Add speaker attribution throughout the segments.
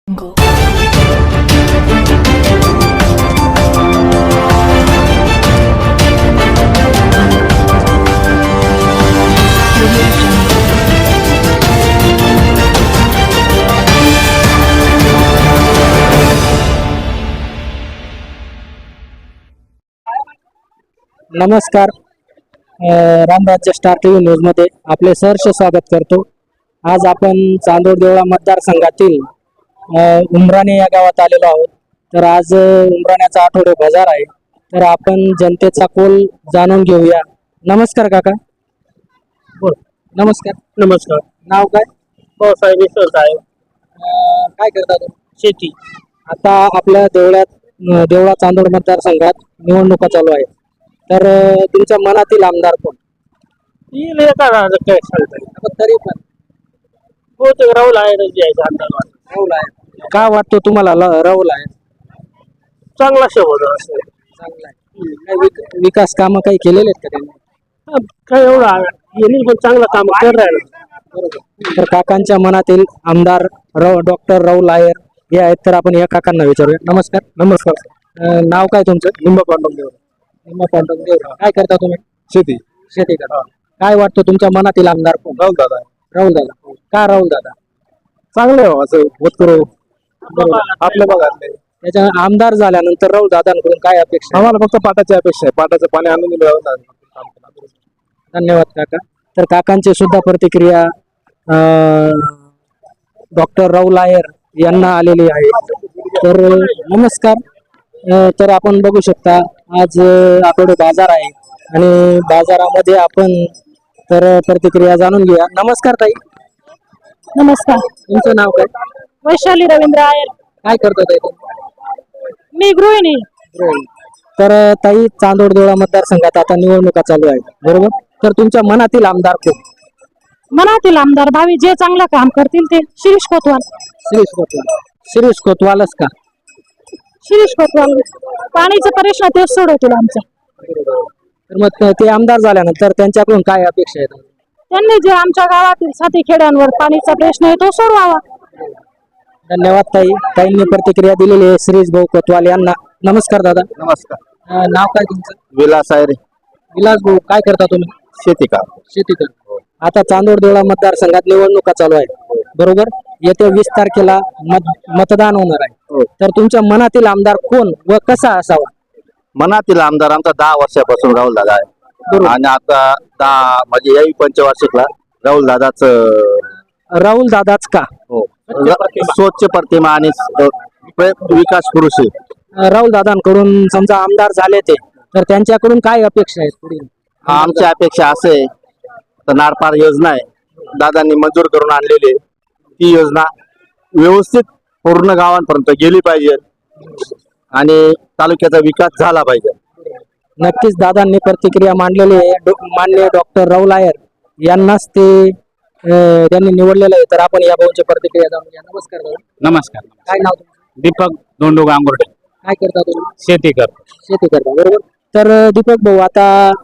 Speaker 1: Jungle.
Speaker 2: नमस्कार. रामराज्य star TV news मध्ये आपले सहर्ष स्वागत करतो. आज आपण चांदोड देवळा मतदारसंघातील उमराणे या गावात आलेलो आहोत. तर आज उमराण्याचा आठवडे बाजार आहे. तर आपण जनतेचा कौल जाणून घेऊया. नमस्कार काका. बोल. नमस्कार.
Speaker 3: नमस्कार.
Speaker 2: नाव काय?
Speaker 3: साहेब साहेब
Speaker 2: काय करता तुम्ही?
Speaker 3: शेती.
Speaker 2: आता आपल्या देवळा चांदोड मतदारसंघात निवडणुका चालू आहे. तर तुमच्या मनातील आमदार कोण?
Speaker 3: येईल एका राहणार काय सांगता
Speaker 2: आता तरी पण
Speaker 3: बहुतेक राहुल आहे अंदाज
Speaker 2: राहुल आहे. का वाटतो तुम्हाला राहुल आहे?
Speaker 3: चांगला शोध असं
Speaker 2: चांगला आहे. काही विकास कामं काही केलेले आहेत का त्यांनी?
Speaker 3: काय एवढं आहे येईल पण चांगलं काम कर राहिलं.
Speaker 2: बरोबर. तर काकांच्या मनातील आमदार डॉक्टर राहुल आयर हे आहेत. तर आपण या काकांना विचारूया. नमस्कार.
Speaker 3: नमस्कार.
Speaker 2: नाव काय तुमचं?
Speaker 3: लिंबा पांडव
Speaker 2: काय करता तुम्ही?
Speaker 3: शेती.
Speaker 2: शेती करता. काय वाटतं तुमच्या मनातील आमदार कोण?
Speaker 3: राहुल दादा
Speaker 2: राहुल दादा. का राहुल दादा?
Speaker 3: चांगलं आहे असं होत करू आपल्या भागातले.
Speaker 2: त्याच्या आमदार झाल्यानंतर राहुल दादांकडून काय अपेक्षा आहे?
Speaker 3: आम्हाला फक्त पाटाची अपेक्षा आहे. पाटाचं पाणी आणून दिलं.
Speaker 2: धन्यवाद काका. तर काकांची सुद्धा प्रतिक्रिया डॉक्टर राहुल आयर यांना आलेली आहे. तर नमस्कार. तर आपण बघू शकता आज आठवडे बाजार आहे आणि बाजारामध्ये आपण तर प्रतिक्रिया जाणून घेऊया. नमस्कार ताई.
Speaker 4: नमस्कार.
Speaker 2: तुमचं नाव काय?
Speaker 4: वैशाली रवींद्र आयर.
Speaker 2: काय करतो ताई तुम्ही?
Speaker 4: मी गृहिणी.
Speaker 2: तर ताई, चांदोड देवळा मतदारसंघात आता निवडणुका चालू आहेत, बरोबर? तर तुमच्या मनातील आमदार कोण?
Speaker 4: मनातील आमदार भावी जे चांगलं काम करतील ते शिरीष कोतवाल.
Speaker 2: शिरीष कोतवाल. शिरीष कोतवालच का?
Speaker 4: शिरीष कोतवाल पाणीचा प्रश्न ते सोडवतील आमचा.
Speaker 2: तर मग ते आमदार झाल्यानंतर त्यांच्याकडून काय अपेक्षा आहेत?
Speaker 4: त्यांनी जे आमच्या गावातील 7 खेड्यांवर पाणीचा प्रश्न आहे तो सोडवावा.
Speaker 2: धन्यवाद ताई. ताईंनी प्रतिक्रिया दिलेली आहे शिरीष भाऊ कोतवाल यांना. नमस्कार दादा.
Speaker 3: नमस्कार.
Speaker 2: नाव काय तुमचं?
Speaker 3: विलास आहे रे.
Speaker 2: विलास भाऊ, काय करता तुम्ही?
Speaker 3: शेती का?
Speaker 2: शेती करता. आता चांदोड देवळा मतदारसंघात निवडणुका चालू आहेत, बरोबर? येत्या 20 तारखेला मतदान होणार आहे. तर तुमच्या मनातील आमदार कोण व कसा असावा?
Speaker 5: मनातील आमदार आमचा 10 वर्षापासून राहुल दादा आहे. आणि आता 10 म्हणजे याही पंचवार्षिकला राहुल दादाच
Speaker 2: राहुल दादाच का?
Speaker 5: स्वच्छ प्रतिमा आणि विकास पुरुष आहे.
Speaker 2: राहुल दादांकडून समजा आमदार झाले ते, तर त्यांच्याकडून काय अपेक्षा आहेत पुढील?
Speaker 5: आमची अपेक्षा असे आहे तर नारपार योजना आहे दादांनी मंजूर करून आणलेली. ती योजना व्यवस्थित पूर्ण गावांपर्यंत गेली पाहिजे आणि तालुक्याचा विकास झाला पाहिजे.
Speaker 2: नक्कीच दादांनी प्रतिक्रिया मांडलेली आहे. माननीय डॉक्टर राहुल आयर यांनाच ते त्यांनी निवडलेलं आहे. तर आपण या भाऊंची प्रतिक्रिया जाणून घ्या. नमस्कार भाऊ.
Speaker 3: नमस्कार.
Speaker 2: काय नाव तुमचं?
Speaker 3: दीपक दोंडू गांगुर्डे.
Speaker 2: काय करता तुम्ही?
Speaker 3: शेती करतो.
Speaker 2: शेती करता, बरोबर? तर दीपक भाऊ, आता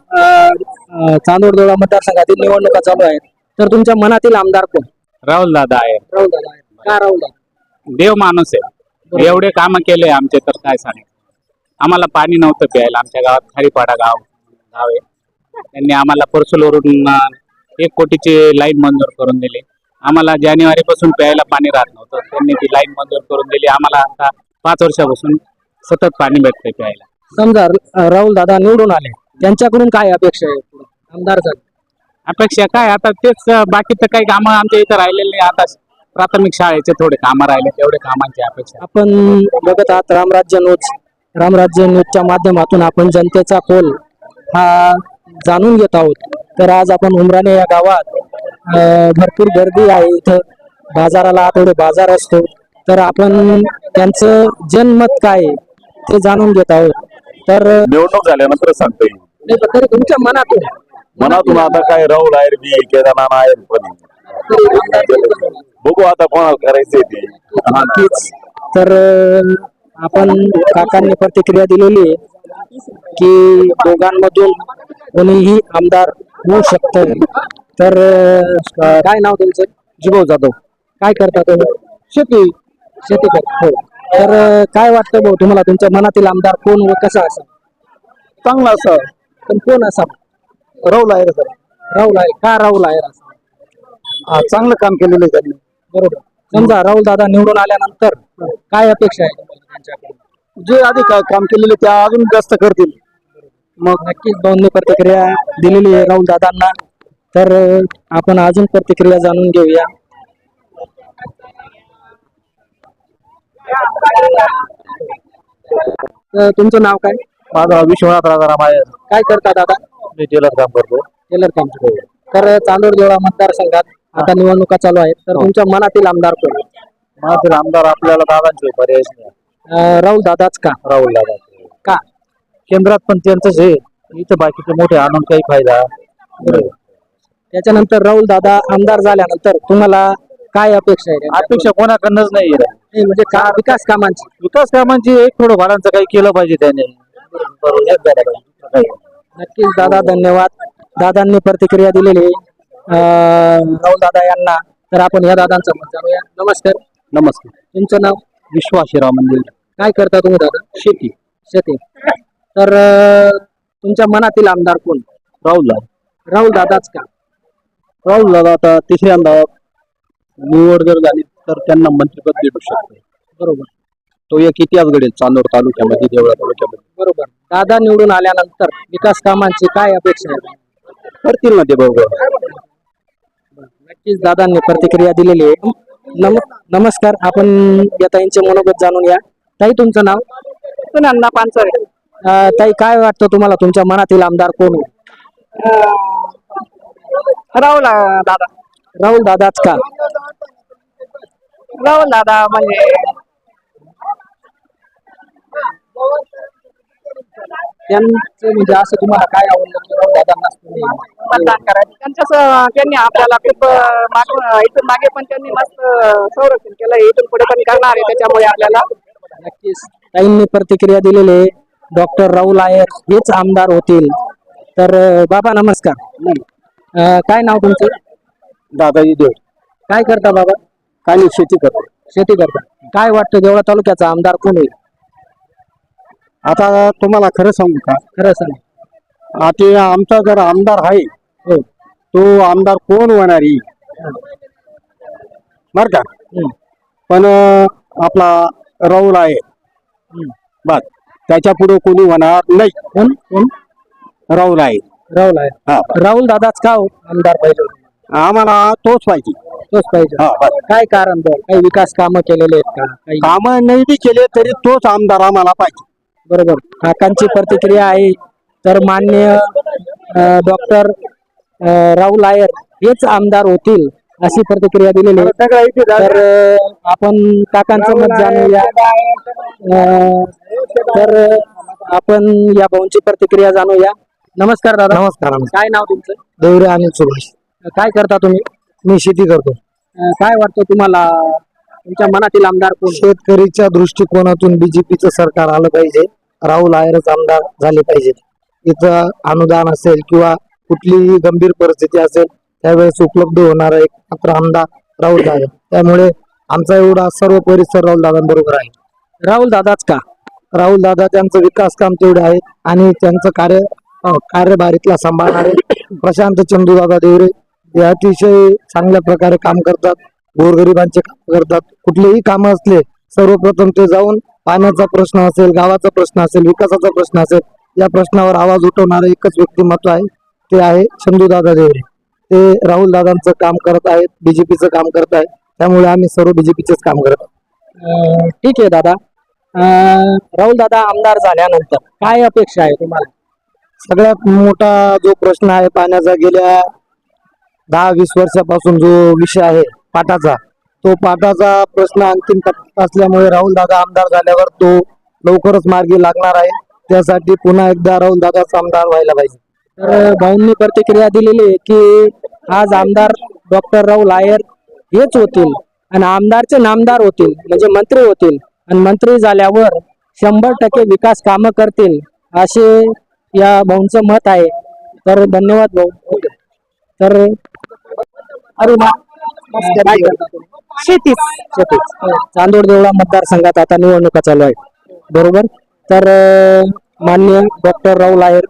Speaker 2: चांदोड देवळा मतदारसंघातील निवडणुका चालू आहेत. तर तुमच्या मनातील आमदार कोण?
Speaker 3: राहुल दादा आहे.
Speaker 2: राहुल दादा आहे. का राहुल दादा?
Speaker 3: देव माणूस आहे. एवढे काम केले आमचे तर काय सांगायचं. आम्हाला पाणी नव्हतं प्यायला. आमच्या गावात खारीपाडा गाव आहे. त्यांनी आम्हाला परसूलवरून 1 कोटीची लाईन मंजूर करून दिली. आम्हाला जानेवारी पासून प्यायला पाणी राहत नव्हतं. त्यांनी ती लाईन मंजूर करून दिली. आम्हाला आता 5 वर्षापासून सतत पाणी भेटतंय प्यायला.
Speaker 2: समजा राहुल दादा निवडून आले, त्यांच्याकडून काय अपेक्षा आहे पुढे आमदार झाले?
Speaker 3: अपेक्षा काय आता तेच बाकीचं काही कामं आमच्या इथं राहिलेले नाही. आता प्राथमिक शाळेचे थोडे कामं राहिले, तेवढे कामांची अपेक्षा.
Speaker 2: आपण बघत आहात रामराज्य न्यूजच्या माध्यमातून आपण जनतेचा कौल हा जाणून घेत आहोत. तर आज आपण उमराणे या गावात भरपूर गर्दी आहे. इथं बाजाराला आठवडे बाजार असतो. तर आपण त्यांचं जनमत काय आहे ते जाणून घेत आहोत. तर
Speaker 6: निवडणूक झाल्यानंतर सांगता येईल.
Speaker 2: तरी तुमच्या
Speaker 6: मनातून आता काय राहुल आयर बी केदारनाथ आयर पण बघू आता कोणाला करायचंय ते.
Speaker 2: नक्कीच. तर आपण काकांनी प्रतिक्रिया दिलेली आहे की दोघांमधून कोणीही आमदार होऊ शकतं. तर काय नाव तुमचं?
Speaker 3: जिभाऊ जाधव.
Speaker 2: काय करता तुम्ही?
Speaker 3: शेती.
Speaker 2: शेती करता हो. तर काय वाटतं भाऊ तुम्हाला तुमच्या मनातील आमदार कोण व कसा असा?
Speaker 5: चांगला असं
Speaker 2: पण कोण असा?
Speaker 5: राहुल आहे सर.
Speaker 2: राहुल आहे का? राहुल आहे असा
Speaker 5: चांगलं काम केलेलं आहे त्यांनी.
Speaker 2: बरोबर. समजा राहुल दादा निवडून आल्यानंतर काय अपेक्षा आहे तुम्हाला त्यांच्याकडून?
Speaker 5: जे आधी काम केलेले त्या अजून जास्त करतील.
Speaker 2: मग नक्कीच भाऊंनी प्रतिक्रिया दिलेली आहे राहुल दादांना. तर आपण अजून प्रतिक्रिया जाणून घेऊया. तुमचं नाव काय?
Speaker 5: माझा विश्वनाथ राजाराम आहे.
Speaker 2: काय करता दादा?
Speaker 5: मी टेलर काम करतो.
Speaker 2: टेलर काम. तर चांदोड देवळा मतदारसंघात आता निवडणुका चालू आहेत. तर तुमच्या मनातील आमदार कोण?
Speaker 5: माझे आमदार आपल्याला दादांचे पर्याय नाही.
Speaker 2: राहुल दादाच का?
Speaker 5: राहुल दादा
Speaker 2: का?
Speaker 5: केंद्रात पण त्यांचंच आहे. इथं बाकीचे मोठे आणून काही फायदा.
Speaker 2: त्याच्यानंतर राहुल दादा आमदार झाल्यानंतर तुम्हाला काय अपेक्षा आहे?
Speaker 5: अपेक्षा कोणाकडनंच नाही.
Speaker 2: म्हणजे का विकास कामांची?
Speaker 5: विकास कामांची एक थोडं भाडांचं काही केलं पाहिजे त्याने.
Speaker 2: नक्कीच दादा, धन्यवाद. दादांनी प्रतिक्रिया दिलेली राहुल दादा यांना. तर आपण या दादांचं मत जाणूया. नमस्कार.
Speaker 5: नमस्कार.
Speaker 2: तुमचं नाव?
Speaker 5: विश्वाशिराव मंदिर.
Speaker 2: काय करता तुम्ही दादा?
Speaker 5: शेती.
Speaker 2: शेती. तर तुमच्या मनातील आमदार कोण?
Speaker 5: राहुल दादा.
Speaker 2: राहुल दादाच का?
Speaker 5: राहुल दादा आता तिसऱ्यांदा निवड जर झाली तर त्यांना मंत्रिपद भेटू शकते.
Speaker 2: बरोबर.
Speaker 5: तो एक इतिहास घडेल चांदोर तालुक्यामध्ये, देवळा तालुक्यामध्ये.
Speaker 2: बरोबर. दादा निवडून आल्यानंतर विकास कामांची काय अपेक्षा आहे?
Speaker 5: करतील ना ते बरोबर.
Speaker 2: नक्कीच दादांनी प्रतिक्रिया दिलेली आहे. नमस्कार. आपण या ताईंचे मनोगत जाणून या. ताई, तुमचं नाव?
Speaker 4: सुनंदा पानसरे.
Speaker 2: ताई, काय वाटतं तुम्हाला तुमच्या मनातील आमदार कोण?
Speaker 4: राहुल दादा.
Speaker 2: राहुल दादाच का?
Speaker 4: राहुल दादा म्हणजे
Speaker 2: त्यांचं म्हणजे असं तुम्हाला काय आवडलं की राहुल दादांनाच तुम्ही
Speaker 4: मतदान करायचं. त्यांनी आपल्याला खूप इथून मागे पण त्यांनी मस्त संरक्षण केलं. इथून पुढे पण करणार आहे. त्याच्यामुळे आपल्याला
Speaker 2: नक्कीच ताईंनी प्रतिक्रिया दिलेली. डॉक्टर राहुल आयर हेच आमदार होतील. तर बाबा नमस्कार. काय नाव तुमचं?
Speaker 5: दादाजी देव.
Speaker 2: काय करता बाबा?
Speaker 5: काय नाही, शेती करतो.
Speaker 2: शेती करता. काय वाटतं देवळा तालुक्याचा आमदार कोण होईल?
Speaker 5: आता तुम्हाला खरं सांगू का?
Speaker 2: खरं सांग.
Speaker 5: आता आमचा जर आमदार आहे
Speaker 2: हो.
Speaker 5: तो आमदार कोण होणार बर का? पण आपला राहुल आहे बस, त्याच्या पुढे कोणी होणार नाही.
Speaker 2: कोण? कोण?
Speaker 5: राहुल आहे.
Speaker 2: राहुल आहे.
Speaker 5: हा.
Speaker 2: राहुल दादाच का हो आमदार पाहिजे?
Speaker 5: आम्हाला तोच पाहिजे.
Speaker 2: तोच पाहिजे.
Speaker 5: हा, बस.
Speaker 2: काय कारण बरं? काही विकास कामं केलेले आहेत का? काही?
Speaker 5: कामं नाही बी केले तरी तोच आमदार आम्हाला पाहिजे.
Speaker 2: बरोबर. काकांची प्रतिक्रिया आहे. तर माननीय डॉक्टर राहुल आयर हेच आमदार होतील अशी प्रतिक्रिया दिलेली आहे. तर आपण काकांचं मत जाणूया. तर आपण या भाऊंची प्रतिक्रिया जाणूया. नमस्कार दादा.
Speaker 5: नमस्कार.
Speaker 2: काय नाव तुमचं?
Speaker 5: देवरे अनिल सुभाष.
Speaker 2: काय करता तुम्ही?
Speaker 5: मी शेती करतो.
Speaker 2: काय वाटतं तुम्हाला तुमच्या मनातील आमदार कोण?
Speaker 5: शेतकरीच्या दृष्टिकोनातून बीजेपीचं सरकार आलं पाहिजे. राहुल आयरच आमदार झाले पाहिजेत. इथं अनुदान असेल किंवा कुठलीही गंभीर परिस्थिती असेल त्यावेळेस उपलब्ध होणारा एक मात्र आमदार राहुल दादा. त्यामुळे आमचा एवढा सर्व परिसर राहुल दादांबरोबर आहे.
Speaker 2: राहुल दादाच का?
Speaker 5: राहुल दादा त्यांचं विकास काम तेवढे आहे आणि त्यांचं कार्यभार इथला सांभाळणारे प्रशांत चंदूदादा देवरे हे अतिशय चांगल्या प्रकारे काम करतात. गोरगरिबांचे काम करतात. कुठलेही काम असले सर्वप्रथम ते जाऊन पाण्याचा प्रश्न असेल, गावाचा प्रश्न असेल, विकासाचा प्रश्न असेल, या प्रश्नावर आवाज उठवणारे एकच व्यक्तिमत्व आहे, ते आहे चंदूदादा देवरे. ते राहुल दादांचं काम करत आहेत, बीजेपीचं काम करत आहेत. त्यामुळे आम्ही सर्व बीजेपीचेच काम करत आहोत.
Speaker 2: ठीक आहे दादा. राहुल दादा आमदार झाल्यानंतर काय अपेक्षा आहे तुम्हाला?
Speaker 5: सगळ्यात मोठा जो प्रश्न आहे पाण्याचा, गेल्या 10-20 वर्षापासून जो विषय आहे पाटाचा, तो पाटाचा प्रश्न अंतिम टप्प्यात असल्यामुळे राहुल दादा आमदार झाल्यावर तो लवकरच मार्गी लागणार आहे. त्यासाठी पुन्हा एकदा राहुल दादाचा आमदार व्हायला पाहिजे.
Speaker 2: तर भाऊंनी प्रतिक्रिया दिलेली आहे की आज आमदार डॉक्टर राहुल आयर हेच होतील आणि आमदारचे नामदार होतील म्हणजे मंत्री होतील आणि मंत्री झाल्यावर 100% विकास कामं करतील असे या भाऊंचं मत आहे. तर धन्यवाद भाऊ. तर अरे काय करता तुम्ही?
Speaker 4: शेतीच
Speaker 2: शेतीच. चांदोड देवळा मतदारसंघात आता निवडणुका चालू आहेत बरोबर. तर माननीय डॉक्टर राहुल आहेर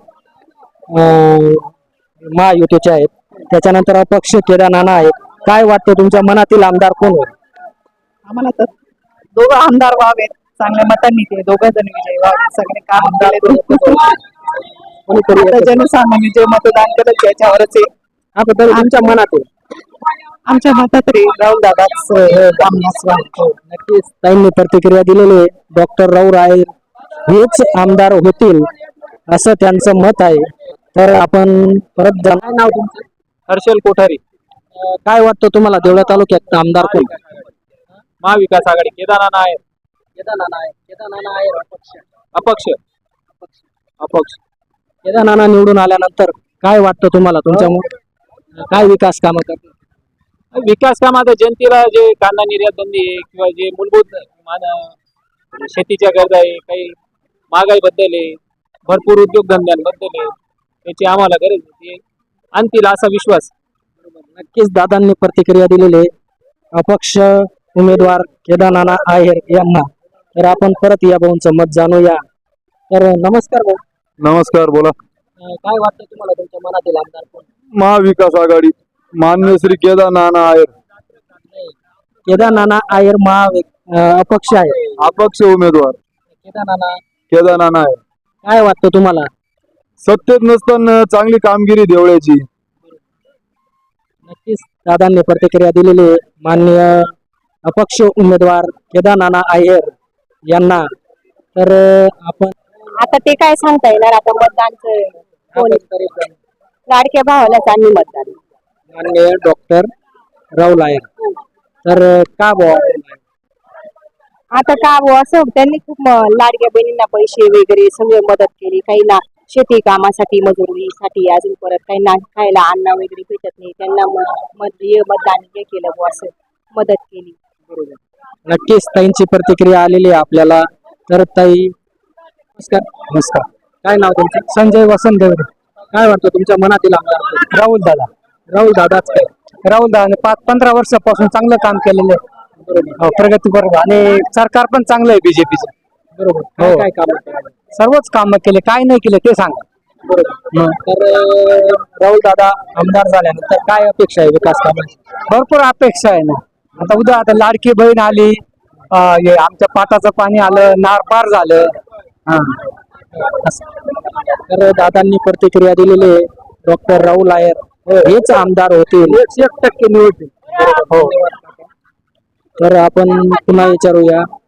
Speaker 2: महायुतीचे आहेत, त्याच्यानंतर अपक्ष केदार नाना आहेत. काय वाटतं तुमच्या मनातील आमदार कोण होईल?
Speaker 4: आम्हाला तर दोघं आमदार व्हावेत, चांगल्या मतांनी ते दोघं जण विजयी व्हावेत. सगळे काम केले
Speaker 2: कोणीतरी
Speaker 4: आता
Speaker 2: एकच.
Speaker 4: जनसामान्य जे मतदान केलं त्याच्यावरच आहे.
Speaker 2: आता तरी तुमच्या मनातील
Speaker 4: आमच्या मतात रे राहुल दादाच रामदास
Speaker 2: नक्कीच ताईंनी प्रतिक्रिया दिलेली आहे. डॉक्टर राहुल आहेर हेच आमदार होतील असं त्यांचं मत आहे. तर आपण परत काय नाव तुमचं?
Speaker 3: हर्षल कोठारी,
Speaker 2: काय वाटतं तुम्हाला देवळा तालुक्यात आमदार कोण?
Speaker 3: महाविकास आघाडी, केदारनाथ आहे, अपक्ष अपक्ष.
Speaker 2: केदारनाथ निवडून आल्यानंतर काय वाटतं तुम्हाला? तुमच्या काय विकास कामं करतील?
Speaker 3: विकास काम आता जनतेला जे कांदा निर्यात बंदी आहे किंवा जे मूलभूत शेतीच्या गरजा आहे, काही महागाई बद्दल आहे, भरपूर उद्योगधंद्यांबद्दल आहे, त्याची आम्हाला गरज आहे, आणतील असा विश्वास.
Speaker 2: नक्कीच दादांनी प्रतिक्रिया दिलेली आहे अपक्ष उमेदवार केदारनाथ आहेर यांना. तर आपण परत या भाऊंचं मत जाणूया. तर नमस्कार भाऊ,
Speaker 6: नमस्कार, बोला.
Speaker 2: काय वाटतं तुम्हाला? तुमच्या मनातील आमदार कोण?
Speaker 6: महाविकास आघाडी मान्य श्री केदारनाथ आहेर,
Speaker 2: केदारनाथ आहेर अपक्ष आहे.
Speaker 6: अपक्ष उमेदवार केदारनाथ आहेर.
Speaker 2: काय वाटतं तुम्हाला?
Speaker 6: सत्तेत नसताना चांगली कामगिरी देवळ्याची.
Speaker 2: नक्कीच दादांनी प्रतिक्रिया दिलेली आहे माननीय अपक्ष उमेदवार केदारनाथ आहेर यांना. तर आपण
Speaker 1: आता ते काय सांगता येणार, आता मतदानचं कोण लाडक्या भावालाच आम्ही मतदान.
Speaker 2: माननीय डॉक्टर राहुल आहेर. तर का भाऊ?
Speaker 1: आता का बुवा असं त्यांनी खूप लाडक्या बहिणींना पैसे वगैरे सगळे मदत केली, काही ना शेती कामासाठी मजुरीसाठी, अजून परत काही ना खायला अन्न वगैरे भेटत नाही त्यांना मतदान हे केलं बुवा असं मदत केली.
Speaker 2: नक्कीच ताईंची प्रतिक्रिया आलेली आहे आपल्याला. तर ताई नमस्कार. नमस्कार. काय नाव तुमचं? संजय वसंत देवरे. काय वाटतं तुमच्या मनातील आमदार? राहुल दादा. राहुल दादाच काय? राहुल दादा 5-15 वर्षापासून चांगलं काम केलेलं आहे. बरोबर. प्रगती बरोबर. आणि सरकार पण चांगलं आहे बीजेपीचं. बरोबर. काय काय काम? सर्वच काम केले. काय नाही केले ते सांगा. बरोबर. तर राहुल दादा आमदार झाल्यानंतर काय अपेक्षा आहे विकास कामाची? भरपूर अपेक्षा आहे ना. आता उद्या आता लाडकी बहीण आली, हे आमच्या पाटाचं पाणी आलं, नार पार झालं. तर दादांनी प्रतिक्रिया दिलेली आहे. डॉक्टर राहुल आहेर हेच आमदार होतील, 100% निवडतील. हो. तर आपण पुन्हा विचारूया